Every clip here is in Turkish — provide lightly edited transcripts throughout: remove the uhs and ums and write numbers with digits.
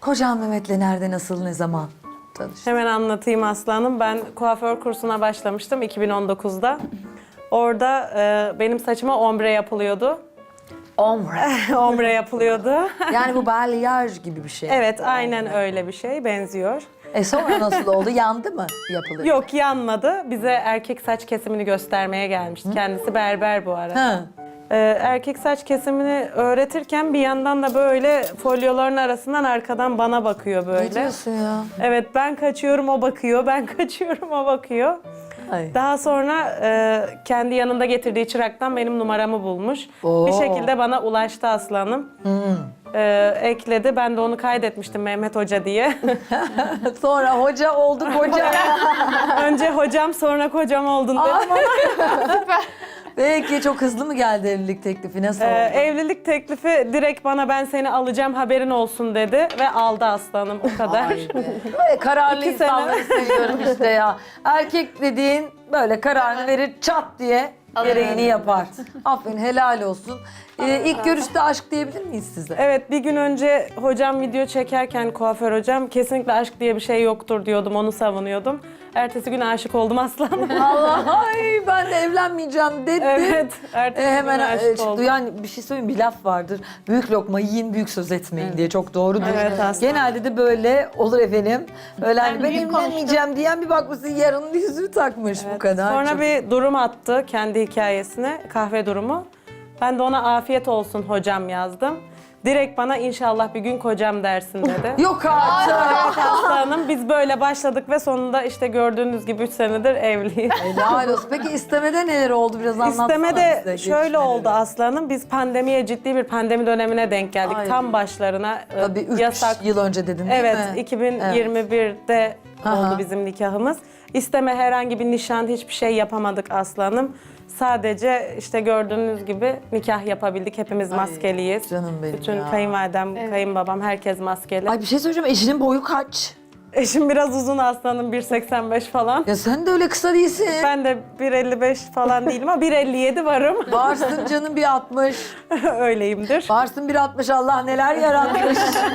Kocan Mehmet'le nerede, nasıl, ne zaman tanıştın? Hemen anlatayım aslanım. Ben kuaför kursuna başlamıştım 2019'da. Orada benim saçıma ombre yapılıyordu. Ombre. Ombre yapılıyordu. Yani bu balyaj gibi bir şey. Evet, aynen öyle bir şey. Benziyor. Sonra nasıl oldu? Yandı mı yapılır? Yok, yanmadı. Bize erkek saç kesimini göstermeye gelmişti. Kendisi berber bu arada. Ha. Erkek saç kesimini öğretirken bir yandan da böyle folyoların arasından arkadan bana bakıyor Ne böyle. diyorsun ya? Evet, ben kaçıyorum o bakıyor, ben kaçıyorum o bakıyor. Ay. Daha sonra kendi yanında getirdiği çıraktan benim numaramı bulmuş. Oo. Bir şekilde bana ulaştı aslanım. Ekledi, ben de onu kaydetmiştim Mehmet Hoca diye. Sonra hoca oldu koca. Önce hocam sonra kocam oldun dedim ama Peki çok hızlı mı geldi evlilik teklifi? Nasıl oldu? evlilik teklifi direkt bana ben seni alacağım haberin olsun dedi ve aldı aslanım o kadar. Vay be. Böyle kararlı 2 sene. insanları seviyorum işte ya. Erkek dediğin böyle kararını verir, çat diye gereğini yapar. Aferin, helal olsun. İlk görüşte aşk diyebilir miyiz size? Evet, bir gün önce hocam video çekerken kuaför hocam kesinlikle aşk diye bir şey yoktur diyordum, onu savunuyordum. Ertesi gün aşık oldum aslanım. Allah, ay ben de evlenmeyeceğim dedi. Evet, ertesi Hemen gün aşık çıktı. oldum. Yani bir şey söyleyeyim, bir laf vardır. Büyük lokma yiyin, büyük söz etmeyin diye, çok doğrudur. Evet, aslında. Genelde de böyle olur efendim. Öyle hani ben büyük evlenmeyeceğim diyen bir bakmışsın yarın yüzüğü takmış, bu kadar. Sonra Çok- bir durum attı kendi hikayesine, kahve durumu. Ben de ona afiyet olsun hocam yazdım. Direkt bana inşallah bir gün kocam dersin dedi. Yok artık. Evet aslanım, biz böyle başladık ve sonunda işte gördüğünüz gibi 3 senedir evliyiz. Helal olsun. Peki istemede neler oldu, biraz anlatsana İstemede bize, şöyle gelişmeleri. oldu aslanım, biz pandemiye, ciddi bir pandemi dönemine denk geldik. Ay. Tam başlarına Tabii 3 yasak. yıl önce dedin değil Evet, mi? 2021'de Aha. oldu bizim nikahımız. İsteme, herhangi bir nişan, hiçbir şey yapamadık aslanım. Sadece işte gördüğünüz gibi nikah yapabildik. Hepimiz maskeliyiz. canım benim Bütün ya. kayınvalidem, kayınbabam, herkes maskeli. Ay bir şey söyleyeceğim, eşinin boyu kaç? Eşim biraz uzun aslanım, 1.85 falan. Ya sen de öyle kısa değilsin. Ben de 1.55 falan değilim ama 1.57 varım. Varsın canım, bir 60. Öyleyimdir. Varsın bir 60, Allah neler yaratmış.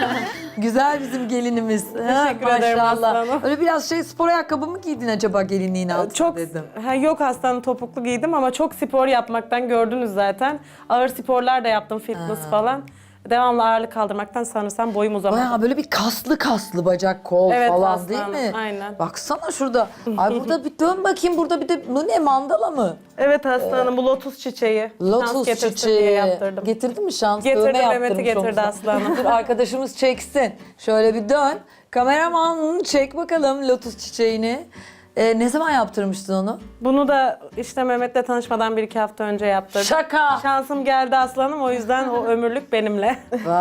Güzel bizim gelinimiz. Teşekkür ederim aslanım. Öyle biraz spor ayakkabı mı giydin acaba gelinliğin altına Çok dedim. yok aslanım, topuklu giydim ama çok spor yapmaktan gördünüz zaten. Ağır sporlar da yaptım, fitness falan. Devamlı ağırlık kaldırmaktan sanırsam boyum uzamadı. Bayağı böyle bir kaslı bacak, kol Evet, falan aslanım, değil mi? aynen. Baksana şurada. Ay burada bir dön bakayım, burada bir de bu ne, mandala mı? Evet aslanım, bu lotus çiçeği. Şans Lotus getirsin çiçeği. diye yaptırdım. Getirdin mi şans? Getirdi, Dövme Mehmet'i yaptırmış getirdi omzuna. aslanım. Dur arkadaşımız çeksin. Şöyle bir dön. Kameraman çek bakalım lotus çiçeğini. Ne zaman yaptırmıştın onu? Bunu da işte Mehmet'le tanışmadan 1-2 hafta önce yaptırdım. Şaka. Şansım geldi aslanım, o yüzden o ömürlük benimle.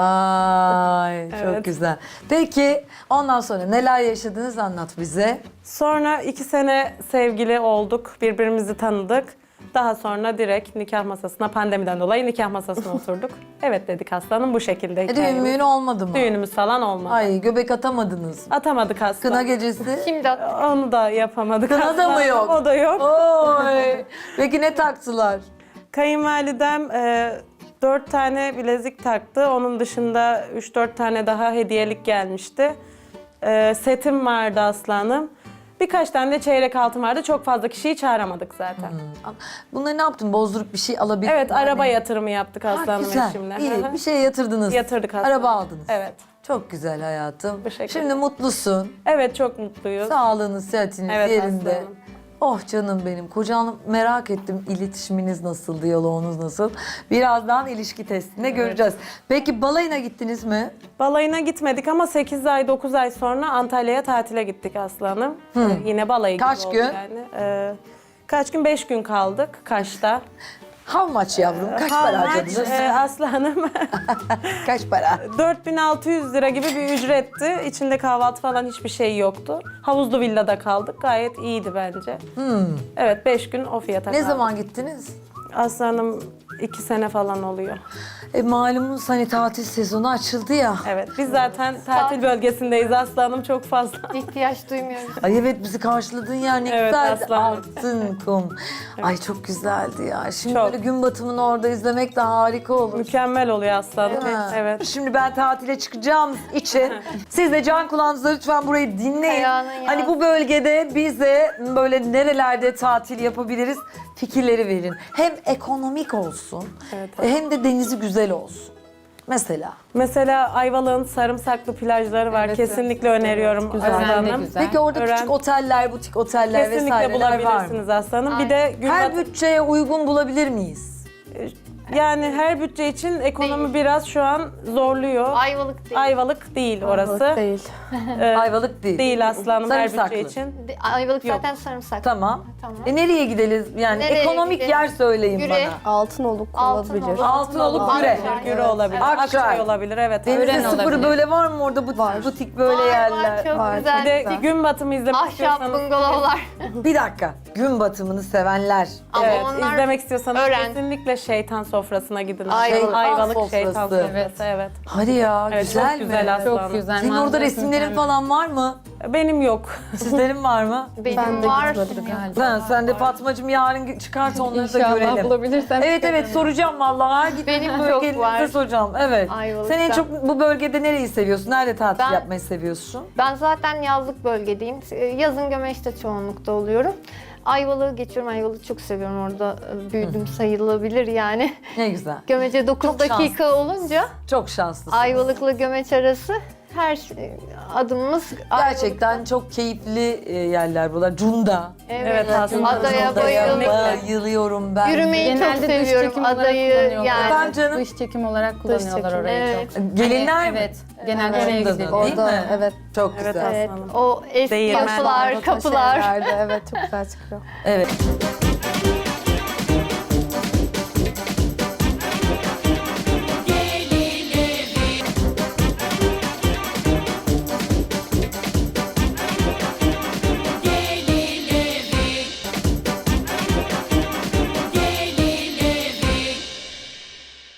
Vay çok Evet. güzel. Peki ondan sonra neler yaşadınız, anlat bize. Sonra 2 sene sevgili olduk, birbirimizi tanıdık. Daha sonra direkt nikah masasına, pandemiden dolayı nikah masasına oturduk. Evet dedik aslanım, bu şekilde Düğün hikayemiz. müğün olmadı mı? Düğünümüz falan olmadı. Ay göbek atamadınız. Atamadık aslanım. Kına gecesi. Şimdi at. Onu da yapamadık. Kına da mı aslanım. yok? O da yok. Oy. Peki ne taktılar? Kayınvalidem 4 tane bilezik taktı. Onun dışında 3-4 tane daha hediyelik gelmişti. Setim vardı aslanım. Birkaç tane de çeyrek altın vardı. Çok fazla kişiyi çağıramadık zaten. Bunları ne yaptın? Bozdurup bir şey alabildin Evet, mi? araba Hani- yatırımı yaptık aslanım Güzel, eşimle. iyi. Hı hı. Bir şey yatırdınız. Yatırdık aslanım. Araba aldınız. Evet. Çok güzel hayatım. Bu şekilde. Şimdi mutlusun. Evet, çok mutluyuz. Sağlığınız, sıhhatiniz Evet, yerinde. aslanım. Oh canım benim. Kocanı merak ettim. İletişiminiz nasıl, diyaloğunuz nasıl? Birazdan ilişki testinde göreceğiz. Peki balayına gittiniz mi? Balayına gitmedik ama 8 ay 9 ay sonra Antalya'ya tatile gittik aslanım. Yine balayı Kaç gibi gün? oldu yani. Kaç gün? 5 gün kaldık Kaş'ta. How much yavrum? Kaç para harcadınız? Aslanım Kaç para? 4.600 lira gibi bir ücretti. İçinde kahvaltı falan hiçbir şey yoktu. Havuzlu villada kaldık. Gayet iyiydi bence. Evet, 5 gün o fiyata Ne kaldık. zaman gittiniz? Aslanım 2 sene falan oluyor. Malumunuz hani tatil sezonu açıldı ya. Evet, biz zaten tatil bölgesindeyiz aslanım çok fazla. İhtiyaç duymuyoruz. Ay evet bizi karşıladığın yer ne Evet, güzeldi. aslanım. Altın kum. Ay çok güzeldi ya. Şimdi Çok. böyle gün batımını orada izlemek de harika olur. Mükemmel oluyor aslanım. Ha. Evet. Şimdi ben tatile çıkacağım için siz de can kulağınızla lütfen burayı dinleyin. Ayağına yaz. Hani bu bölgede bize böyle nerelerde tatil yapabiliriz fikirleri verin. Hem ekonomik olsun Evet, hem de denizi güzel olsun. Mesela. Mesela Ayvalık'ın sarımsaklı plajları var. Evet, Kesinlikle öneriyorum Güzel, ben de aslanım. güzel. Peki orada Öğren- küçük oteller, butik oteller Kesinlikle vesaireler var mı? bulabilirsiniz aslanım. Bir de gün Her batı- bütçeye uygun bulabilir miyiz? yani her bütçe için ekonomi biraz şu an zorluyor. Ayvalık değil. Ayvalık değil orası. Değil. Ayvalık değil. Değil aslanım her Sarımsaklı. bütçe için. Ayvalık Yok. zaten sarımsak. Tamam. Tamam. Nereye gidelim? Yani Nereye ekonomik gidelim? yer söyleyin Güre. bana. Altınoluk Altınoluk. olabilir. Altınoluk Güre. Akçay. Güre olabilir. Akçay. Akçay olabilir evet. Denizde Öğren sıfır olabilir. böyle var mı orada butik böyle yerler? Var, çok Var, güzel. Bir de Güzel. gün batımı izlemek Ahşap istiyorsanız. bungalovlar. Bir dakika. Gün batımını sevenler. Ama Evet, onlar izlemek istiyorsanız öğren. kesinlikle şeytan sofrasına gidin. Ayvalık. Ayvalık Sofrası. şeytan sofrası evet. Hadi ya Evet, güzel çok mi? güzel aslanım. Çok güzel. Senin orada manzarası resimlerin mükemmel. falan var mı? Benim yok. Sizlerin var mı? benim Ben de var. gitmedim galiba. Sen de Fatmacığım yarın çıkart onları da İnşallah görelim. bulabilirsem. Evet evet soracağım vallahi. Her gittiğim Benim çok bölgenizde var. soracağım. Evet. Ayvalık'ta. Sen en çok bu bölgede nereyi seviyorsun? Nerede tatil Ben- yapmayı seviyorsun? Ben zaten yazlık bölgedeyim. Yazın Gömeç'te çoğunlukta oluyorum. Ayvalık'ı geçiyorum. Ayvalık'ı çok seviyorum. Orada büyüdüm sayılabilir yani. Ne güzel. Gömeç'e 9 Çok dakika olunca Çok şanslısın. Ayvalık'la Gömeç arası her adımımız Gerçekten çok keyifli yerler buralar. Cunda. Evet, aslında Adaya Cunda'ya bayıldım. Bayılıyorum ben. Yürümeyi çok Genelde dış seviyorum. çekim olarak Adayı kullanıyorlar. yani. Efendim canım? Dış çekim olarak kullanıyorlar çekim, orayı evet. çok. Gelinler mi? Evet. Genelde oraya Cunda'da, gidiyor. değil Orada mi? evet. Çok Evet, güzel. Evet, Aslanım. o eski Değirmen. yapılar, kapılar. Evet çok güzel çıkıyor. Evet.